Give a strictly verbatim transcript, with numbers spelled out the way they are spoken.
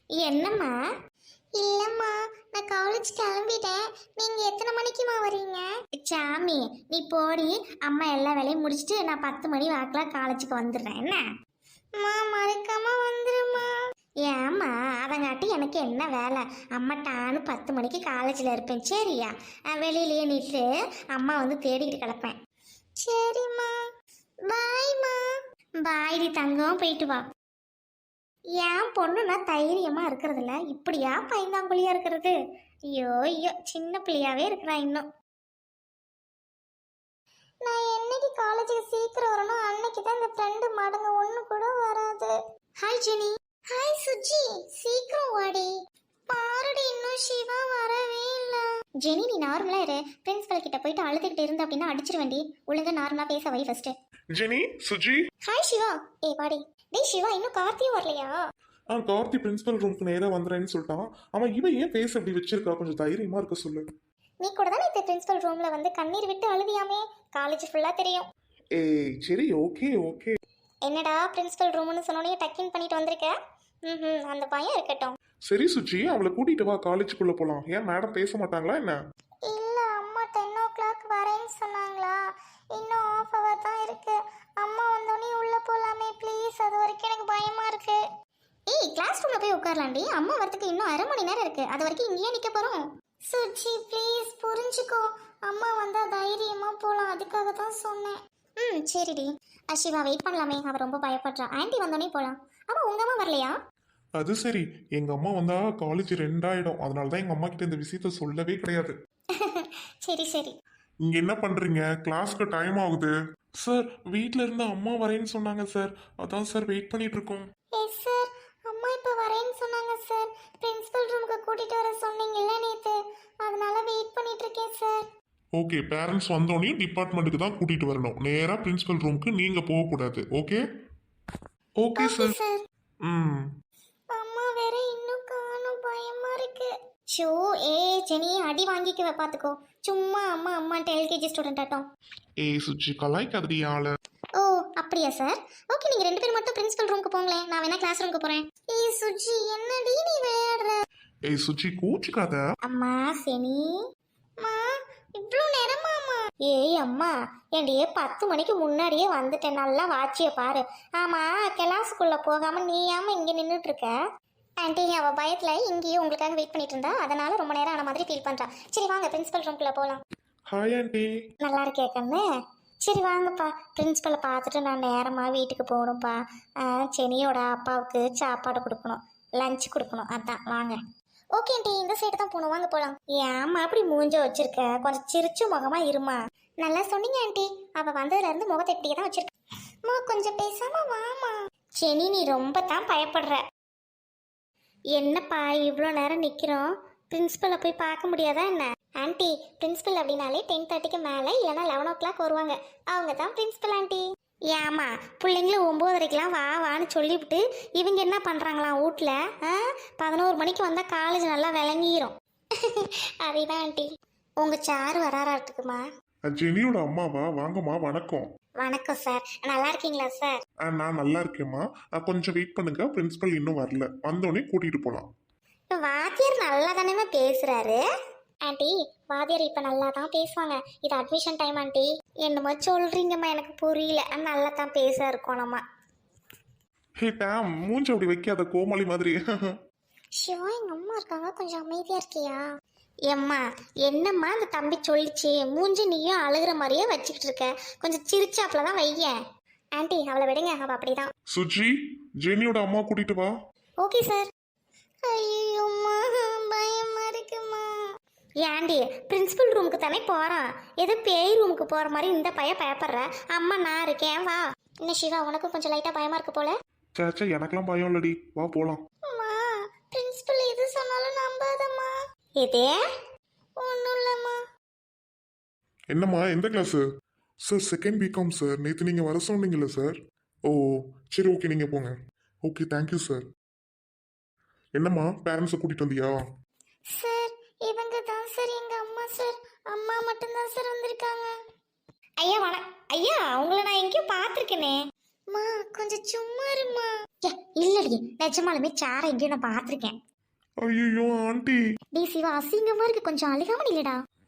என்னம்மா? இல்லம்மா, நான் காலேஜ் கிளம்பிட்டேன். நீங்க எத்தனை மணிக்குமா வரீங்க? சாமி, நீ போடி. அம்மா எல்லா வேலையும் முடிச்சிட்டு நான் பத்து மணி வாக்கில் காலேஜுக்கு வந்துடுறேன். என்ன அம்மா, மறக்காம வந்துருமா? ஏம்மா, அதங்காட்டி எனக்கு என்ன வேலை? அம்மா டானு பத்து மணிக்கு காலேஜில் இருப்பேன். சரியா? வெளியிலேயே நின்று அம்மா வந்து தேடிக்கிட்டு கிடப்பேன். சரிம்மா, பாய்மா. பாய்டி தங்கம், போயிட்டு வா. ஏன் பொண்ணுனா தைரியமா இருக்கிறதுல இப்படியா பைந்தாங்குழியா இருக்கிறது? ஐயோ ஐயோ, சின்ன பிள்ளையாவே இருக்கிறா இன்னும். நான் என்னைக்கு காலேஜுக்கு சீக்கிரம் வரணும் அன்னைக்கு தான் இந்த ஃப்ரெண்டு மடங்க ஒண்ணு கூட வராது. Hi Jenny. ஹாய் சுஜி, சீக்கிரம் வாடி. பாருடி, இன்னும் சிவா வரவே இல்ல. ஜெனி, நீ நார்மலா இரு. பிரின்சிபல் கிட்ட போயிட்டு அழுதுகிட்டு இருந்த அப்படின்னா அடிச்சிருவேண்டி. ஒழுங்கா நார்மலா பேச வை ஃபர்ஸ்ட். ஜெனி, சுஜி. ஹாய் சிவா. ஏ வாடி. டேய் சிவா, இன்னும் கார்த்தியும் வரலையா? ஆ, கார்த்தி பிரின்சிபல் ரூமுக்கு நேரா வந்துறேன்னு சொல்லிட்டான். அவன் இவன் ஏன் பேச அப்படி வச்சிருக்கா? கொஞ்சம் தைரியமா இருக்க சொல்லு. நீ கூட தானே இந்த பிரின்சிபல் ரூம்ல வந்து கண்ணீர் விட்டு அழுதியாமே? காலேஜ் ஃபுல்லா தெரியும். ஏய் சரி, ஓகே ஓகே. என்னடா பிரின்சிபல் ரூம்னு சொன்னோனே டக்கின் பண்ணிட்டு வந்திருக்க? ம், அந்த பையன் இருக்கட்டும். சரி சுஜி, அவளை கூட்டிட்டு வா, காலேஜுக்குள்ள போலாம். ஏன் மேடம் பேச மாட்டாங்களா என்ன? இல்ல, அம்மா டென் ஓ கிளாக் வரேன்னு சொன்னாங்களா? இன்னும் ஆஃப் ஹவர் தான் இருக்கு. அம்மா வந்தோடனே உள்ள போலாமே ப்ளீஸ்? அது வரைக்கும் எனக்கு பயமா இருக்கு. ஏய், கிளாஸ் ரூம்ல போய் உட்காரலாண்டி. அம்மா வரதுக்கு இன்னும் அரை மணி நேரம் இருக்கு. அது வரைக்கும் இங்கேயே நிக்க போறோம். சுஜி ப்ளீஸ் புரிஞ்சுக்கோ. அம்மா வந்தா தைரியமா போலாம், அதுக்காக தான் சொன்னேன். ம் சரிடி. அஷிவா வெயிட் பண்ணலாமே, அவ ரொம்ப பயப்படுறா. ஆன்ட்டி வந்தோடனே போலாம். அவ உங்க அம்மா வரலையா? அது சரி, எங்க அம்மா வந்தா காலேஜ் ரெண்டாயிடும். அதனாலதான் எங்க அம்மா கிட்ட இந்த விஷயத்த சொல்லவே கிடையாது. சரி சரி. இங்க என்ன பண்றீங்க? கிளாஸ்க்கு டைம் ஆகுது. சார், வீட்ல இருந்து அம்மா வரேன்னு சொன்னாங்க சார். அதான் சார் வெயிட் பண்ணிட்டு இருக்கோம். எஸ் சார், அம்மா இப்ப வரேன்னு சொன்னாங்க சார். பிரின்சிபல் ரூமுக்கு கூட்டிட்டு வர சொன்னீங்கல்ல நேத்து, அதனால வெயிட் பண்ணிட்டு இருக்கேன் சார். ஓகே, பேரண்ட்ஸ் வந்தோடனே டிபார்ட்மெண்ட்டுக்கு தான் கூட்டிட்டு வரணும். நேரா பிரின்சிபல் ரூமுக்கு நீங்க போக கூடாது. Okay okay sir. சார். ம். அம்மா வேற இன்னும் காணோம், பயமா இருக்கு. ஷோ, ஏ ஜெனி, அடி வாங்கிக்குவ பாத்துக்கோ. சும்மா அம்மா அம்மான்ட்டு எல்கேஜி ஸ்டூடெண்ட் ஆட்டம். ஏய் சுஜி, கலாய்க்காதடி ஆள. ஓ அப்படியா சார்? ஓகே, நீங்க ரெண்டு பேரும் மட்டும் பிரின்சிபல் ரூமுக்கு போங்களேன். நான் வேணா கிளாஸ் ரூமுக்கு போறேன். ஏய் சுஜி, என்னடி நீ விளையாடுற? ஏய் சுஜி, கூச்சிக்காத. அம்மா செனி. அம்மா, இவ்ளோ நேரமாமா? ஏய் அம்மா, ஏண்டியே பத்து மணிக்கு முன்னாடியே வந்துட்டேன். நல்லா வாட்சிய பாரு. ஆமா, கிளாஸுக்குள்ள போகாம நீ ஏமா இங்க நின்றுட்டு இருக்க? ஆன்ட்டி, அவ பயத்துல இங்கேயும் உங்களுக்காக வெயிட் பண்ணிட்டு இருந்தா, அதனால ரொம்ப நேரம் ஆன மாதிரி ஃபீல் பண்றா. சரி வாங்க, பிரின்சிபல் ரூம்குள்ள போலாம். Hi aunty. நல்லா இருக்கே கண்ணு. சரி வாங்கப்பா, பிரின்சிபலை பார்த்துட்டு நான் நேரமாக வீட்டுக்கு போகணும்ப்பா. செனியோட அப்பாவுக்கு சாப்பாடு கொடுக்கணும், லஞ்ச் கொடுக்கணும். அதான் வாங்க. ஓகே ஆண்டி, இந்த சைடு தான் போகணும், வாங்க போகலாம். ஏம்மா அப்படி மூஞ்ச வச்சிருக்க? கொஞ்சம் சிரிச்சு முகமா இருமா. நல்லா சொன்னீங்க ஆண்டி. அவள் வந்ததுலேருந்து முகத்தை இப்படியே தான் வச்சிருக்க. அம்மா கொஞ்சம் பேசாம வாமா. செனி, நீ ரொம்ப தான் பயப்படுற. என்னப்பா இவ்வளோ நேரம் நிற்கிறோம்? பிரின்சிபலை போய் பார்க்க முடியாதா என்ன? ஆண்டி, பிரின்சிபல் அப்படின்னாலே டென் தேர்ட்டிக்கு மேலே இல்லைனா லெவன் ஓ கிளாக் வருவாங்க. அவங்க தான் பிரின்சிபல் ஆண்டி. ஏமா, பிள்ளைங்களும் ஒம்போதரைக்கெலாம் வா வான்னு சொல்லிவிட்டு இவங்க என்ன பண்ணுறாங்களாம் வீட்டில்? ஆ, பதினோரு மணிக்கு வந்தால் காலேஜ் நல்லா விளங்கிரும். அதுதான் ஆண்டி. உங்கள் சார் வராராட்டுக்குமா? ஜெனியோட அம்மாவா? வாங்கம்மா, வணக்கம். வணக்கம் சார், நல்லா இருக்கீங்களா சார்? ஆ, நான் நல்லா இருக்கேம்மா. கொஞ்சம் வெயிட் பண்ணுங்க, பிரின்சிபல் இன்னும் வரல. வந்தோடனே கூட்டிட்டு போகலாம். வாத்தியார் நல்லா தானே பேசுகிறாரு. ஆண்டி, வாத்தியார் இப்போ நல்லா தான் பேசுவாங்க. இது அட்மிஷன் டைம் ஆண்டி. என்னமோ சொல்கிறீங்கம்மா, எனக்கு புரியல. நல்லா தான் பேச இருக்கோம் நம்ம. ஹே டேம், மூஞ்சி அப்படி வைக்காத, கோமாளி மாதிரி. ஷிவா, எங்கள் அம்மா இருக்காங்க, கொஞ்சம் அமைதியாக இருக்கியா? எம்மா, என்னம்மா அந்த தம்பி சொல்லிச்சு? மூஞ்சி நீயும் அழுகிற மாதிரியே வச்சுக்கிட்டு இருக்க. கொஞ்சம் சிரிச்சாப்புல தான் வையேன். ஆண்டி, அவளை விடுங்க, அவள் அப்படிதான். சுஜி, ஜெனியோட அம்மா கூட்டிட்டு வா. Okay sir. ஐயோம்மா, பயமா இருக்குமா. ஏண்டி, பிரின்சிபல் ரூமுக்கு தானே போகிறான், ஏதோ பேய் ரூமுக்கு போகிற மாதிரி இந்த பையன் பயப்படுற. அம்மா நான் இருக்கேன், வா. என்ன சிவா, உனக்கும் கொஞ்சம் லைட்டாக பயமாக இருக்கு போல? சேச்சா, எனக்கெல்லாம் பயம் இல்லடி, வா போகலாம். அம்மா, பிரின்சிபல் எது சொன்னாலும் நம்பாதம்மா. எதே? ஒன்றும் இல்லைம்மா. என்னம்மா, எந்த class? Sir, second BCom sir. நேற்று நீங்கள் வர சொன்னீங்கல்ல சார். ஓ சரி, ஓகே, நீங்கள் போங்க. Okay, thank you sir. என்னம்மா, பேரண்ட்ஸை கூட்டிகிட்டு வந்தியா? சார், இவங்க தான் சார் எங்க அம்மா சார். அம்மா மட்டும்தான் சார் வந்திருக்காங்க. ஐயா வண ஐயா, உங்களை நான் எங்கேயும் பார்த்துருக்கேனே. மா கொஞ்சம் சும்மா இருமா. இல்லடி, இல்லடி, நிஜமாலுமே சேரை எங்கேயும் நான் பார்த்துருக்கேன். ஐயோ ஆண்டி. டி சிவா, அசிங்கமா இருக்கு, கொஞ்சம் அழுகாம இல்லடா.